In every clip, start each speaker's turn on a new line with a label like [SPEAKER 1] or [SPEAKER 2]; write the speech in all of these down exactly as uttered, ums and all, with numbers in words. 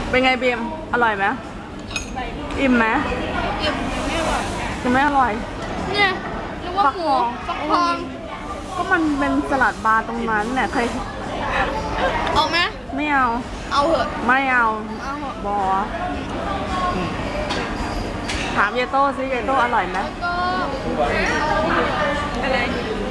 [SPEAKER 1] เป็นไงบีมอร่อยไหมอิ่มไหม
[SPEAKER 2] อิ่มไม่อร่อย
[SPEAKER 1] จะไม่อร่อย
[SPEAKER 2] เนี่ยนึกว่าหมูฟักทอง
[SPEAKER 1] ก็มันเป็นสลัดบาร์ตรงนั้นเนี่ยเคย
[SPEAKER 2] เอาไหม
[SPEAKER 1] ไม่เอา
[SPEAKER 2] เอาเหอะ
[SPEAKER 1] ไม่เอา
[SPEAKER 2] เอาเหอะ
[SPEAKER 1] บอถามเยโต้ซิเยโต้อร่อยไหม
[SPEAKER 2] ก็อะไร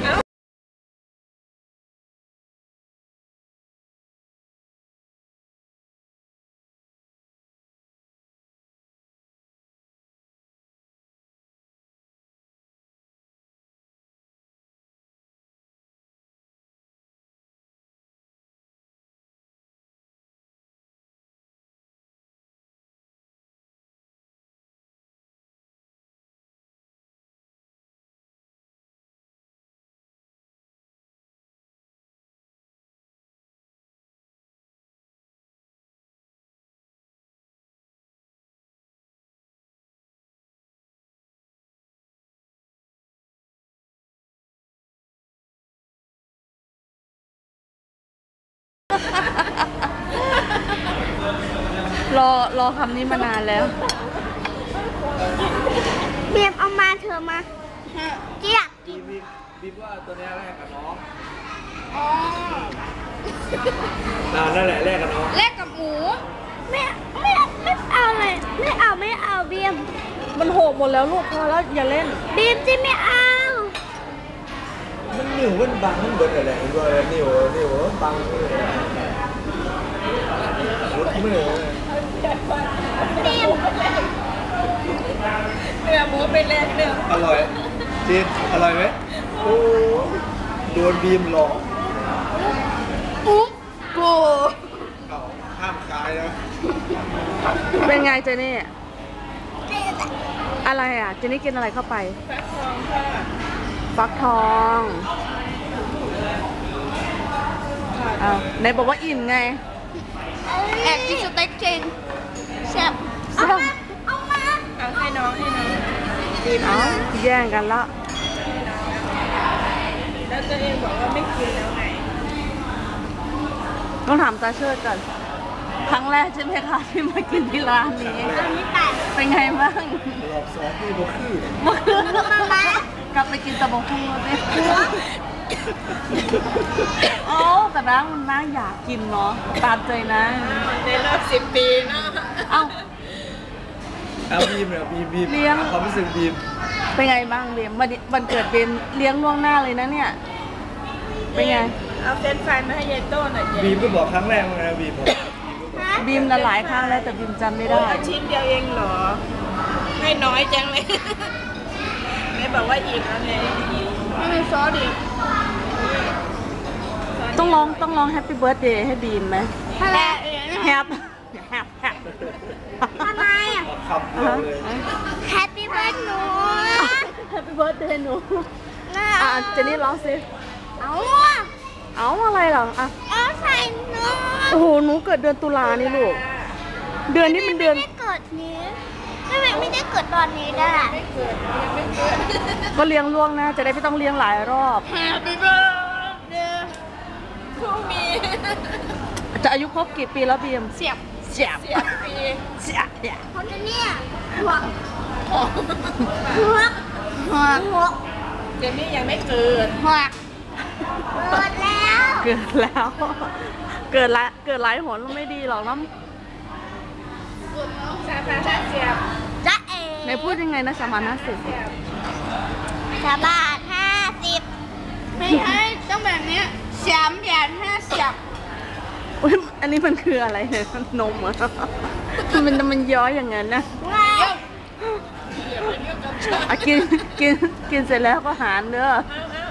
[SPEAKER 1] รอรอคำนี้มานานแล้ว
[SPEAKER 2] เบียมเอามาเธอมาเจี๊ยบ
[SPEAKER 3] บีบบีบว่าตัวนี้แรกกับน้อง
[SPEAKER 2] อ๋อ
[SPEAKER 3] อ่านั่นแหละแรกกับน้อง
[SPEAKER 2] แรกกับหมูไม่ไม่ไม่เอาเลยไม่เอาไม่เอาเบียม
[SPEAKER 1] มันโหกหมดแล้วลูกพอแล้วอย่าเล่น
[SPEAKER 2] เบียมจะไม่เอา
[SPEAKER 3] มันนิ่วมันบังมันเบิดอะไรมันก็นิ่วนิ่วบังรุดมือ
[SPEAKER 2] เนื้อหมูเป็นแรกเนื้อ
[SPEAKER 3] อร่อยจีนอร่อยไหมโอ้โดนบีมหลอก
[SPEAKER 2] อุ๊บโก
[SPEAKER 3] ห้ามขายนะ
[SPEAKER 1] เป็นไงเจนี่อะไรอ่ะเจนี่กินอะไรเข้าไป
[SPEAKER 2] ฟักทองค่ะ
[SPEAKER 1] ฟักทองอ้าวไหนบอกว่าอิ่มไง
[SPEAKER 2] แอบกินสเต็กจริงแซ่บเอามาเอามาเอาให้น้องให้น้อง
[SPEAKER 1] ดีมากแย่งกันละ
[SPEAKER 2] แล้วตัวเองบอกว่าไม่กินแล้วไง
[SPEAKER 1] ต้องถามตาเชิดก่อนครั้งแรกใช่ไหมคะที่มากินที่ร้านนี้เป็นไงบ้าง
[SPEAKER 3] รอบสองที่บกคือ
[SPEAKER 1] มากลับไปกินตะบกคู่เลยโอ้แต่น้ามันน่าอยากกินเนาะตามใจนะ
[SPEAKER 2] ในรอบสิบปีเนาะ
[SPEAKER 1] เอ้า
[SPEAKER 3] เอาบีมเนี่ยบีมบีม
[SPEAKER 1] เลี้ยง
[SPEAKER 3] ความรู้สึกบีม
[SPEAKER 1] เป็นไงบ้างบีมวันวันเกิดบีมเลี้ยงล่วงหน้าเลยนะเนี่ยเป็นไง
[SPEAKER 2] เอาเฟรนช์ฟรายมาให้ยายโต้หน่อย
[SPEAKER 3] บีมก็บอกครั้งแรกไงบีม
[SPEAKER 1] บีมหลายครั้งแล้วแต่บีมจำไม่ได้
[SPEAKER 2] ชิ้นเดียวเองเหรอให้น้อยจังเลยแม่บอกว่าอิ่มแล้วไงไม่มีซอสดิ
[SPEAKER 1] ต้องร้องต้องร้องแฮปปี้เบิร์ดเดย์ให้บีมไหม
[SPEAKER 2] แฮป
[SPEAKER 1] แฮปแฮปแฮป
[SPEAKER 2] ทำไมอ่ะ
[SPEAKER 3] ขับเลย
[SPEAKER 2] แฮปปี้เบิร์ดหนู
[SPEAKER 1] แฮปปี้เบิร์ดเดย์หนูอ่ะเจนนี่ร้องสิ
[SPEAKER 2] เอา
[SPEAKER 1] เอาอะไรเหรออ่ะ
[SPEAKER 2] เอาใส่หนู
[SPEAKER 1] โอ้โหหนูเกิดเดือนตุลานี่ลูกเดือนนี้มันเดือน
[SPEAKER 2] ไม่ได้เกิดนี้ไม่ไม่ได้เกิดตอนนี้ได้ไม่เกิดยังไม่เกิด
[SPEAKER 1] ก็เลี้ยงล่วงนะจะได้ไม่ต้องเลี้ยงหลายรอบ
[SPEAKER 2] Happy birthday to me
[SPEAKER 1] จะอายุครบกี่ปีแล้วบีม
[SPEAKER 2] เสียบ
[SPEAKER 1] เสียบ
[SPEAKER 2] เสียบปี
[SPEAKER 1] เสียบเนี่ย
[SPEAKER 2] คนนี้หัวหัวหัวหัวเจนนี่ยังไม่เกิดหัวเกิดแล้ว
[SPEAKER 1] เกิดแล้วเกิดละเกิดหลายหนไม่ดีหรอกน้ำ
[SPEAKER 2] สามพันห้าสิบจ้าเอ๋
[SPEAKER 1] ในพูดยังไงนะสามพันห้าสิบ
[SPEAKER 2] สามบาทห้าสิบไม่ใช่ต้องแบบนี้สามบาทห้าสิบ
[SPEAKER 1] อุ้ยอันนี้มันคืออะไรเนี่ยนมอ่ะมันมันย้อยอย่างนั้นนะกินกินกินเสร็จแล้วก็หารเด้อ